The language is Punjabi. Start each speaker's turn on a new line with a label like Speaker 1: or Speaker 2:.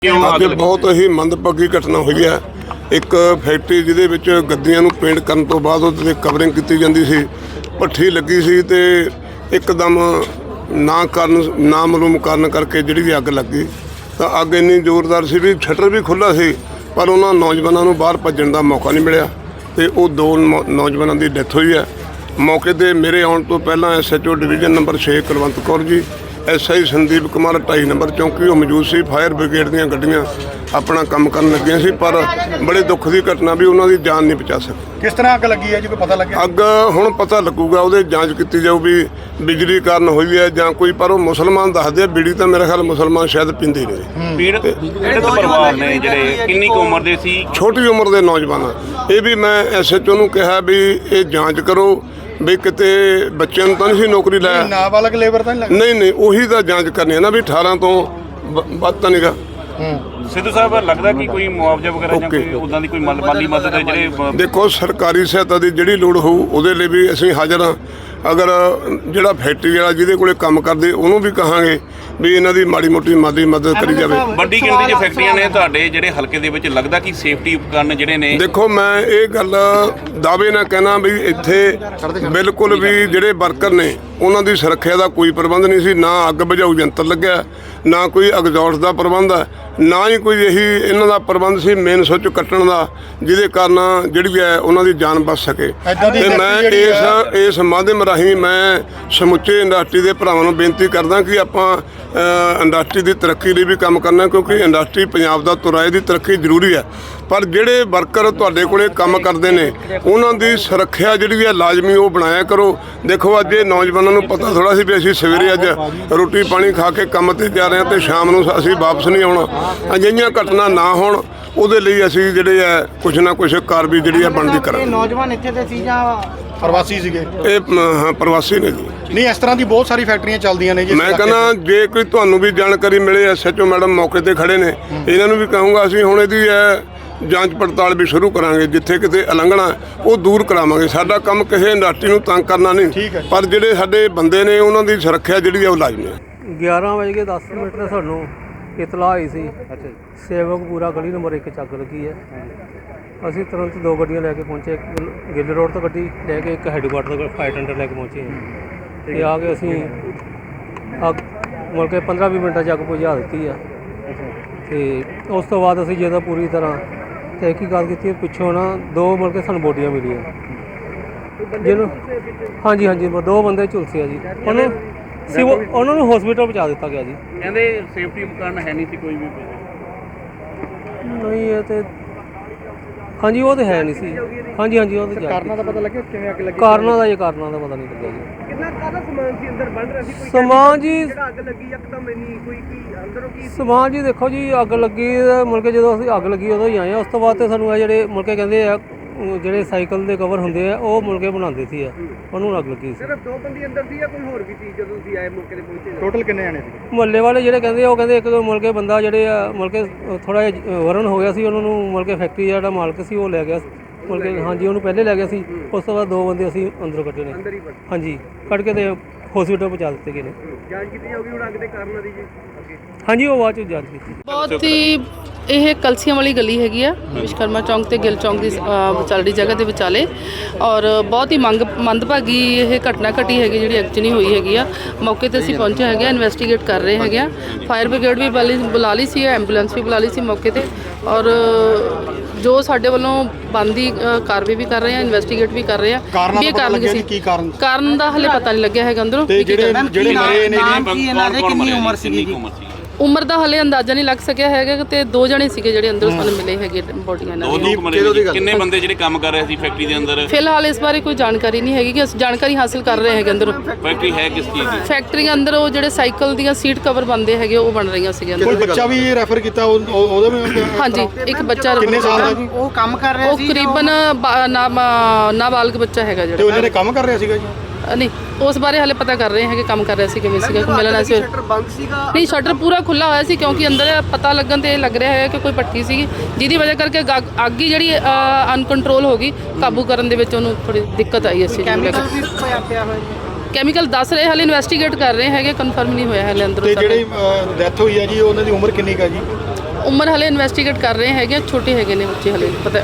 Speaker 1: ਅੱਗੇ ਬਹੁਤ ਹੀ ਮੰਦਭਾਗੀ ਘਟਨਾ ਹੋਈ ਹੈ। ਇੱਕ ਫੈਕਟਰੀ ਜਿਹਦੇ ਵਿੱਚ ਗੱਦੀਆਂ ਨੂੰ ਪੇਂਟ ਕਰਨ ਤੋਂ ਬਾਅਦ ਉਹਦੇ 'ਤੇ ਕਵਰਿੰਗ ਕੀਤੀ ਜਾਂਦੀ ਸੀ, ਭੱਠੀ ਲੱਗੀ ਸੀ ਤੇ ਇੱਕਦਮ ਨਾ ਮਾਲੂਮ ਕਾਰਨ ਕਰਕੇ ਜਿਹੜੀ ਅੱਗ ਲੱਗੀ ਤਾਂ ਅੱਗ ਇੰਨੀ ਜ਼ੋਰਦਾਰ ਸੀ ਵੀ ਸ਼ਟਰ ਵੀ ਖੁੱਲ੍ਹਾ ਸੀ, ਪਰ ਉਹਨਾਂ ਨੌਜਵਾਨਾਂ ਨੂੰ ਬਾਹਰ ਭੱਜਣ ਦਾ ਮੌਕਾ ਨਹੀਂ ਮਿਲਿਆ ਤੇ ਉਹ ਦੋ ਨੌਜਵਾਨਾਂ ਦੀ ਡੈਥ ਹੋਈ ਹੈ। ਮੌਕੇ 'ਤੇ ਮੇਰੇ ਆਉਣ ਤੋਂ ਪਹਿਲਾਂ SHO division number 6 Kulwant Kaur ji, SI Sandeep Kumar 2.5 number ਚੌਂਕੀ ਉਹ ਮੌਜੂਦ ਸੀ। ਫਾਇਰ ਬ੍ਰਿਗੇਡ ਦੀਆਂ ਗੱਡੀਆਂ ਆਪਣਾ ਕੰਮ ਕਰਨ ਲੱਗੀਆਂ ਸੀ, ਪਰ ਬੜੇ ਦੁੱਖ ਦੀ ਘਟਨਾ ਵੀ ਉਹਨਾਂ ਦੀ ਜਾਨ ਨਹੀਂ ਬਚਾ ਸਕੀ।
Speaker 2: ਕਿਸ ਤਰ੍ਹਾਂ ਅੱਗ ਲੱਗੀ ਹੈ ਜੀ, ਕੋਈ ਪਤਾ ਲੱਗਿਆ?
Speaker 1: ਅੱਗ ਹੁਣ ਪਤਾ ਲੱਗੂਗਾ, ਉਹਦੇ ਜਾਂਚ ਕੀਤੀ ਜਾਊ ਵੀ ਬਿਜਲੀ ਕਾਰਨ ਹੋਈ ਹੈ ਜਾਂ ਕੋਈ, ਪਰ ਉਹ ਮੁਸਲਮਾਨ ਦੱਸਦੇ ਆ। ਬੀੜੀ ਤਾਂ ਮੇਰੇ ਖਿਆਲ ਮੁਸਲਮਾਨ ਸ਼ਾਇਦ ਪੀਂਦੇ ਨਹੀਂ।
Speaker 3: ਜਿਹੜੇ ਪਰਿਵਾਰ ਨੇ ਜਿਹੜੇ ਕਿੰਨੀ ਕੁ ਉਮਰ ਦੇ ਸੀ?
Speaker 1: ਛੋਟੀ ਉਮਰ ਦੇ ਨੌਜਵਾਨ ਆ। ਇਹ ਵੀ ਮੈਂ SHO ਨੂੰ ਕਿਹਾ ਵੀ ਇਹ ਜਾਂਚ ਕਰੋ ਵੀ ਕਿਤੇ ਬੱਚਿਆਂ ਨੂੰ ਤਾਂ ਨਹੀਂ ਸੀ ਨੌਕਰੀ ਲਾਇਆ,
Speaker 2: ਨਾਬਾਲਗ ਲੇਬਰ ਤਾਂ
Speaker 1: ਨਹੀਂ ਉਹੀ ਤਾਂ ਜਾਂਚ ਕਰਨੀ ਹੈ ਨਾ ਵੀ 18 ਤੋਂ ਵੱਧ ਤਾਂ ਨਹੀਂਗਾ।
Speaker 3: ਸਿੱਧੂ ਸਾਹਿਬ ਲੱਗਦਾ ਕਿ ਕੋਈ ਮੁਆਵਜ਼ਾ ਵਗੈਰਾ ਜਾਂ ਕੋਈ ਉਦਾਂ ਦੀ ਕੋਈ ਮਾਲੀ ਮਦਦ ਹੈ ਜਿਹੜੇ
Speaker 1: ਦੇਖੋ ਸਰਕਾਰੀ ਸਹਾਇਤਾ ਦੀ ਜਿਹੜੀ ਲੋੜ ਹੋਊ ਉਹਦੇ ਲਈ ਵੀ ਅਸੀਂ ਹਾਜ਼ਰ ਹਾਂ। ਅਗਰ ਜਿਹੜਾ ਫੈਕਟਰੀ ਵਾਲਾ ਜਿਹਦੇ ਕੋਲੇ ਕੰਮ ਕਰਦੇ ਉਹਨੂੰ ਵੀ ਕਹਾਂਗੇ ਵੀ ਇਹਨਾਂ ਦੀ ਮਾੜੀ ਮੋਟੀ ਮਾਦੀ ਮਦਦ ਕਰੀ ਜਾਵੇ।
Speaker 3: ਵੱਡੀ ਗਿਣਤੀ 'ਚ ਫੈਕਟਰੀਆਂ ਨੇ ਤੁਹਾਡੇ ਜਿਹੜੇ ਹਲਕੇ ਦੇ ਵਿੱਚ, ਲੱਗਦਾ ਕਿ ਸੇਫਟੀ ਉਪਕਰਨ ਜਿਹੜੇ ਨੇ?
Speaker 1: ਦੇਖੋ ਮੈਂ ਇਹ ਗੱਲ ਦਾਅਵੇ ਨਾਲ ਕਹਿਣਾ ਵੀ ਇੱਥੇ ਬਿਲਕੁਲ ਵੀ ਜਿਹੜੇ ਵਰਕਰ ਨੇ ਉਹਨਾਂ ਦੀ ਸੁਰੱਖਿਆ ਦਾ ਕੋਈ ਪ੍ਰਬੰਧ ਨਹੀਂ ਸੀ। ਨਾ ਅੱਗ ਬੁਝਾਊ ਯੰਤਰ ਲੱਗਿਆ, ਨਾ ਕੋਈ ਐਗਜ਼ੌਸਟ ਦਾ ਪ੍ਰਬੰਧ ਹੈ, ਨਾ ਹੀ ਕੋਈ ਇਹੀ ਇਹਨਾਂ ਦਾ ਪ੍ਰਬੰਧ ਸੀ ਮੇਨ ਸੁੱਚ ਕੱਟਣ ਦਾ, ਜਿਹਦੇ ਕਾਰਨ ਜਿਹੜੀ ਹੈ ਉਹਨਾਂ ਦੀ ਜਾਨ ਬਚ ਸਕੇ। ਤੇ ਮੈਂ ਇਸ ਮਾਧਿਅਮ ਰਾਹੀਂ ਮੈਂ ਸਮੁੱਚੇ ਇੰਡਸਟਰੀ ਦੇ ਭਰਾਵਾਂ ਨੂੰ ਬੇਨਤੀ ਕਰਦਾ ਕਿ ਆਪਾਂ ਇੰਡਸਟਰੀ ਦੀ ਤਰੱਕੀ ਲਈ ਵੀ ਕੰਮ ਕਰਨਾ, ਕਿਉਂਕਿ ਇੰਡਸਟਰੀ ਪੰਜਾਬ ਦਾ ਤੁਰਾਏ ਦੀ ਤਰੱਕੀ ਜ਼ਰੂਰੀ ਹੈ, ਪਰ ਜਿਹੜੇ ਵਰਕਰ ਤੁਹਾਡੇ ਕੋਲੇ ਕੰਮ ਕਰਦੇ ਨੇ ਉਹਨਾਂ ਦੀ ਸੁਰੱਖਿਆ ਜਿਹੜੀ ਹੈ ਲਾਜ਼ਮੀ ਉਹ ਬਣਾਇਆ ਕਰੋ। ਦੇਖੋ ਅੱਜ ਇਹ ਨੌਜਵਾਨਾਂ ਨੂੰ ਪਤਾ ਥੋੜ੍ਹਾ ਸੀ ਵੀ ਅਸੀਂ ਸਵੇਰੇ ਅੱਜ ਰੋਟੀ ਪਾਣੀ ਖਾ ਕੇ ਕੰਮ 'ਤੇ ਜਾ ਰਹੇ ਹਾਂ ਤੇ ਸ਼ਾਮ ਨੂੰ ਅਸੀਂ ਵਾਪਸ ਨਹੀਂ ਆਉਣਾ। ਅਜਿਹੀਆਂ ਘਟਨਾ ਨਾ ਹੋਣ ਉਹਦੇ ਲਈ ਅਸੀਂ ਜਿਹੜੇ ਹੈ ਕੁਛ ਨਾ ਕੁਛ ਕਾਰਵਾਈ ਜਿਹੜੀ ਹੈ ਬਣਦੀ ਕਰਾਂਗੇ।
Speaker 2: ਨੌਜਵਾਨ ਇੱਥੇ ਦੇ ਸੀ ਜਾਂ ਪ੍ਰਵਾਸੀ ਸੀਗੇ?
Speaker 1: ਇਹ ਹਾਂ ਪ੍ਰਵਾਸੀ ਨੇ ਜੀ।
Speaker 2: ਨਹੀਂ, ਇਸ ਤਰ੍ਹਾਂ ਦੀ ਬਹੁਤ ਸਾਰੀ ਫੈਕਟਰੀਆਂ ਚੱਲਦੀਆਂ ਨੇ ਜੀ।
Speaker 1: ਮੈਂ ਕਹਿੰਦਾ ਜੇ ਕੋਈ ਤੁਹਾਨੂੰ ਵੀ ਜਾਣਕਾਰੀ ਮਿਲੇ, SHO ਮੈਡਮ ਮੌਕੇ ਤੇ ਖੜੇ ਨੇ, ਇਹਨਾਂ ਨੂੰ ਵੀ ਕਹੂੰਗਾ ਅਸੀਂ ਹੁਣ ਇਹਦੀ ਜਾਂਚ ਪੜਤਾਲ ਵੀ ਸ਼ੁਰੂ ਕਰਾਂਗੇ। ਜਿੱਥੇ ਕਿਤੇ ਉਲੰਘਣਾ ਉਹ ਦੂਰ ਕਰਾਵਾਂਗੇ। ਸਾਡਾ ਕੰਮ ਕਿਸੇ ਇੰਡਸਟਰੀ ਨੂੰ ਤੰਗ ਕਰਨਾ ਨਹੀਂ, ਪਰ ਜਿਹੜੇ ਸਾਡੇ ਬੰਦੇ ਨੇ ਉਹਨਾਂ ਦੀ ਸੁਰੱਖਿਆ ਜਿਹੜੀ ਹੈ ਉਹ ਲਾਜ਼ਮੀ ਹੈ।
Speaker 4: 11:10 ਤੇ ਸਾਨੂੰ ਇਤਲਾਹ ਆਈ ਸੀ ਸੇਵਕਪੁਰਾ ਗਲੀ ਨੰਬਰ 1 'ਚ ਅੱਗ ਲੱਗੀ ਹੈ। ਅਸੀਂ ਤੁਰੰਤ 2 ਗੱਡੀਆਂ ਲੈ ਕੇ ਪਹੁੰਚੇ, ਇੱਕ ਗਿੱਲ ਰੋਡ ਤੋਂ ਗੱਡੀ ਲੈ ਕੇ, ਇੱਕ ਹੈਡਕੁਆਟਰ ਤੋਂ ਫਾਇਰ ਟੈਂਡਰ ਲੈ ਕੇ ਪਹੁੰਚੇ ਤੇ ਆ ਕੇ ਅਸੀਂ ਅੱਗ ਮੁੜ ਕੇ 15-20 ਮਿੰਟਾਂ 'ਚ ਅੱਗ ਬੁਝਾ ਦਿੱਤੀ ਆ। ਤੇ ਉਸ ਤੋਂ ਬਾਅਦ ਅਸੀਂ ਜਦੋਂ ਪੂਰੀ ਤਰ੍ਹਾਂ ਤਹਿਕੀਕਾਤ ਕੀਤੀ, ਪਿੱਛੋਂ ਨਾ 2 ਮੁੜ ਕੇ ਸਾਨੂੰ ਬੋਡੀਆਂ ਮਿਲੀਆਂ ਜਿਹਨੂੰ ਹਾਂਜੀ 2 ਬੰਦੇ ਝੁਲਸੇ ਆ ਜੀ। ਉਹਨਾਂ ਨੂੰ ਹਸਪੀਟਲ ਪਹੁੰਚਾ ਦਿੱਤਾ ਗਿਆ ਜੀ।
Speaker 3: ਕਹਿੰਦੇ ਸੇਫਟੀ ਉਪਕਰਨ ਹੈ ਨਹੀਂ ਸੀ ਕੋਈ ਵੀ?
Speaker 4: ਨਹੀਂ ਇਹ ਤੇ ਹਾਂਜੀ ਉਹ ਤਾਂ ਹੈ ਨਹੀਂ ਸੀ। ਹਾਂਜੀ ਉਹ ਤਾਂ
Speaker 2: ਕਾਰਨਾਂ ਦਾ ਪਤਾ ਲੱਗਿਆ ਕਿਵੇਂ ਅੱਗ ਲੱਗੀ?
Speaker 4: ਕਾਰਨਾਂ ਦਾ ਪਤਾ ਨਹੀਂ ਲੱਗਿਆ ਜੀ।
Speaker 5: ਕਿੰਨਾ ਕਾਹਦਾ ਸਮਾਨ ਸੀ ਅੰਦਰ ਬਣ ਰਿਹਾ ਸੀ? ਕੋਈ
Speaker 4: ਸਮਾਨ ਜੀ
Speaker 5: ਅੱਗ ਲੱਗੀ ਇੱਕਦਮ ਇੰਨੀ ਕੋਈ ਕੀ ਅੰਦਰੋਂ ਕੀ
Speaker 4: ਸਮਾਨ ਜੀ ਦੇਖੋ ਜੀ ਅੱਗ ਲੱਗੀ ਮੁੜ ਕੇ ਜਦੋਂ ਅਸੀਂ ਅੱਗ ਲੱਗੀ ਉਦੋਂ ਹੀ ਆਏ ਆ। ਉਸ ਤੋਂ ਬਾਅਦ ਤੇ ਸਾਨੂੰ ਆ ਜਿਹੜੇ ਮੁੜ ਕੇ ਕਹਿੰਦੇ ਆ ਜਿਹੜੇ ਸਾਈਕਲ ਦੇ ਕਵਰ ਹੁੰਦੇ ਆ ਉਹ ਮੁੜ ਕੇ ਬਣਾਉਂਦੇ ਸੀ ਉਹਨੂੰ ਅੱਗ ਲੱਗੀ ਸੀ।
Speaker 5: ਸਿਰਫ 2 ਬੰਦੇ ਅੰਦਰ ਸੀ ਜਾਂ ਕੋਈ ਹੋਰ ਵੀ ਸੀ ਜਦੋਂ ਤੁਸੀਂ ਆਏ ਮੌਕੇ ਤੇ ਪਹੁੰਚੇ?
Speaker 2: ਟੋਟਲ ਕਿੰਨੇ ਜਾਣੇ ਸੀ?
Speaker 4: ਮੁਹੱਲੇ ਵਾਲੇ ਜਿਹੜੇ ਕਹਿੰਦੇ ਉਹ ਕਹਿੰਦੇ ਇੱਕ ਮੁੜ ਕੇ ਬੰਦਾ ਜਿਹੜੇ ਆ ਮੁੜ ਕੇ ਥੋੜ੍ਹਾ ਜਿਹਾ ਵਰਨ ਹੋ ਗਿਆ ਸੀ, ਉਹਨਾਂ ਨੂੰ ਮੁੜ ਕੇ ਫੈਕਟਰੀ ਜਿਹੜਾ ਮਾਲਕ ਸੀ ਉਹ ਲੈ ਗਿਆ ਮੁੜ ਕੇ। ਹਾਂਜੀ ਉਹਨੂੰ ਪਹਿਲੇ ਲੈ ਗਿਆ ਸੀ। ਉਸ ਤੋਂ ਬਾਅਦ 2 ਬੰਦੇ ਅਸੀਂ ਅੰਦਰੋਂ ਕੱਢੇ ਨੇ।
Speaker 5: ਅੰਦਰ ਹੀ
Speaker 4: ਹਾਂਜੀ ਕੱਢ ਕੇ ਤੇ ਹਸਪੀਟਲ ਪਹੁੰਚਾ ਦਿੱਤੇ ਗਏ ਨੇ।
Speaker 5: ਜਾਂਚ ਕੀਤੀ ਜਾਊਗੀ ਹੁਣ ਅੱਗ ਦੇ ਕਾਰਨਾਂ ਦੀ ਜੀ?
Speaker 4: ਹਾਂਜੀ ਉਹ ਬਾਅਦ 'ਚ ਜਾਂਚ ਕੀਤੀ।
Speaker 6: ਬਹੁਤ ਹੀ ਇਹ ਕਲਸੀਆਂ ਵਾਲੀ ਗਲੀ ਹੈਗੀ ਆ, ਵਿਸ਼ਕਰਮਾ ਚੌਂਕ ਤੇ ਗਿੱਲ ਚੌਂਕ ਦੀ ਵਿਚਾਲੜੀ ਜਗ੍ਹਾ ਦੇ ਵਿਚਾਲੇ, ਔਰ ਬਹੁਤ ਹੀ ਮੰਦਭਾਗੀ ਇਹ ਘਟਨਾ ਘਟੀ ਹੈਗੀ ਜਿਹੜੀ ਐਕਚੁਅਲੀ ਹੋਈ ਹੈਗੀ ਆ। ਮੌਕੇ ਤੇ ਅਸੀਂ ਪਹੁੰਚੇ ਹੈਗੇ ਆ, ਇਨਵੈਸਟੀਗੇਟ ਕਰ ਰਹੇ ਹੈਗੇ ਆ। ਫਾਇਰ ਬ੍ਰਿਗੇਡ ਵੀ ਬੁਲਾ ਲਈ ਸੀ, ਐਂਬੂਲੈਂਸ ਵੀ ਬੁਲਾ ਲਈ ਸੀ ਮੌਕੇ ਤੇ, ਔਰ ਜੋ ਸਾਡੇ ਵੱਲੋਂ ਬਣਦੀ ਕਾਰਵਾਈ ਵੀ ਕਰ ਰਹੇ ਆ, ਇਨਵੈਸਟੀਗੇਟ ਵੀ ਕਰ ਰਹੇ ਆ ਵੀ ਇਹ ਕਾਰਨ ਕੀ ਕਾਰਨ ਦਾ ਹਲੇ ਪਤਾ ਨਹੀਂ ਲੱਗਿਆ ਹੈਗਾ ਅੰਦਰੋਂ।
Speaker 2: ਜਿਹੜੇ ਮਰੇ ਨੇ
Speaker 3: ਕਿੰਨੀ ਉਮਰ ਸੀ?
Speaker 6: ਉਮਰ ਦਾ ਹਲੇ ਅੰਦਾਜ਼ਾ ਨਹੀਂ ਲੱਗ ਸਕਿਆ ਹੈਗਾ ਤੇ 2 ਜਣੇ ਸੀਗੇ ਜਿਹੜੇ ਅੰਦਰੋਂ ਸਾਨੂੰ ਮਿਲੇ ਹੈਗੇ ਬੋਡੀਆਂ ਨਾਲ।
Speaker 3: ਕਿੰਨੇ ਬੰਦੇ ਜਿਹੜੇ ਕੰਮ ਕਰ ਰਹੇ ਸੀ ਫੈਕਟਰੀ ਦੇ ਅੰਦਰ?
Speaker 6: ਫਿਲਹਾਲ ਇਸ ਬਾਰੇ ਕੋਈ ਜਾਣਕਾਰੀ ਨਹੀਂ ਹੈਗੀ ਕਿ ਅਸੀਂ ਜਾਣਕਾਰੀ ਹਾਸਲ ਕਰ ਰਹੇ ਹੈਗੇ ਅੰਦਰੋਂ।
Speaker 3: ਫੈਕਟਰੀ ਹੈ ਕਿਸ ਚੀਜ਼ ਦੀ?
Speaker 6: ਫੈਕਟਰੀ ਦੇ ਅੰਦਰ ਉਹ ਜਿਹੜੇ ਸਾਈਕਲ ਦੀਆਂ ਸੀਟ ਕਵਰ ਬਣਦੇ ਹੈਗੇ ਉਹ ਬਣ ਰਹੀਆਂ ਸੀਗੀਆਂ।
Speaker 2: ਕੋਈ ਬੱਚਾ ਵੀ ਰੈਫਰ ਕੀਤਾ ਉਹਦੇ ਵਿੱਚ?
Speaker 6: ਹਾਂਜੀ ਇੱਕ ਬੱਚਾ।
Speaker 2: ਕਿੰਨੇ ਸਾਲ ਦਾ ਜੀ?
Speaker 5: ਉਹ ਕੰਮ ਕਰ ਰਿਹਾ ਸੀ?
Speaker 6: ਉਹ ਕਰੀਬਨ ਨਾਬਾਲਗ ਬੱਚਾ ਹੈਗਾ ਜਿਹੜਾ।
Speaker 2: ਤੇ ਉਹਨਾਂ ਨੇ ਕੰਮ ਕਰ ਰਿਹਾ ਸੀਗਾ ਜੀ?
Speaker 6: ਨਹੀਂ ਉਸ ਬਾਰੇ ਹਾਲੇ ਪਤਾ ਕਰ ਰਹੇ ਹੈਗੇ ਕੰਮ ਕਰ ਰਿਹਾ ਸੀ ਕਿਵੇਂ ਸੀਗਾ, ਮਿਲਣਾ ਸੀ।
Speaker 5: ਸ਼ਟਰ ਬੰਦ ਸੀਗਾ?
Speaker 6: ਨਹੀਂ ਸ਼ਟਰ ਪੂਰਾ ਖੁੱਲਾ ਹੋਇਆ ਸੀ, ਕਿਉਂਕਿ ਅੰਦਰ ਪਤਾ ਲੱਗਣ ਤੇ ਲੱਗ ਰਿਹਾ ਹੈ ਕਿ ਕੋਈ ਭੱਠੀ ਸੀਗੀ ਜਿਹਦੀ ਵਜ੍ਹਾ ਕਰਕੇ ਅੱਗ ਹੀ ਜਿਹੜੀ ਅਨਕੰਟਰੋਲ ਹੋ ਗਈ। ਕਾਬੂ ਕਰਨ ਦੇ ਵਿੱਚ ਉਹਨੂੰ ਥੋੜੀ ਦਿੱਕਤ ਆਈ ਇਸ ਚੀਜ਼ ਨੂੰ ਲੈ ਕੇ।
Speaker 5: ਪਿਆ ਹੋਇਆ
Speaker 6: ਕੈਮੀਕਲ ਦੱਸ ਰਹੇ, ਹਾਲੇ ਇਨਵੈਸਟੀਗੇਟ ਕਰ ਰਹੇ ਹੈਗੇ, ਕਨਫਰਮ ਨਹੀਂ ਹੋਇਆ ਹਾਲੇ ਅੰਦਰ।
Speaker 2: ਤੇ ਜਿਹੜੀ ਡੈਥ ਹੋਈ ਹੈ ਜੀ ਉਹਨਾਂ ਦੀ ਉਮਰ ਕਿੰਨੀ ਕਾ ਜੀ?
Speaker 6: ਉਮਰ ਹਲੇ ਇਨਵੈਸਟੀਗੇਟ ਕਰ ਰਹੇ ਹੈਗੇ ਆ, ਛੋਟੇ ਹੈਗੇ ਨੇ ਬੱਚੇ ਹਲੇ ਪਤਾ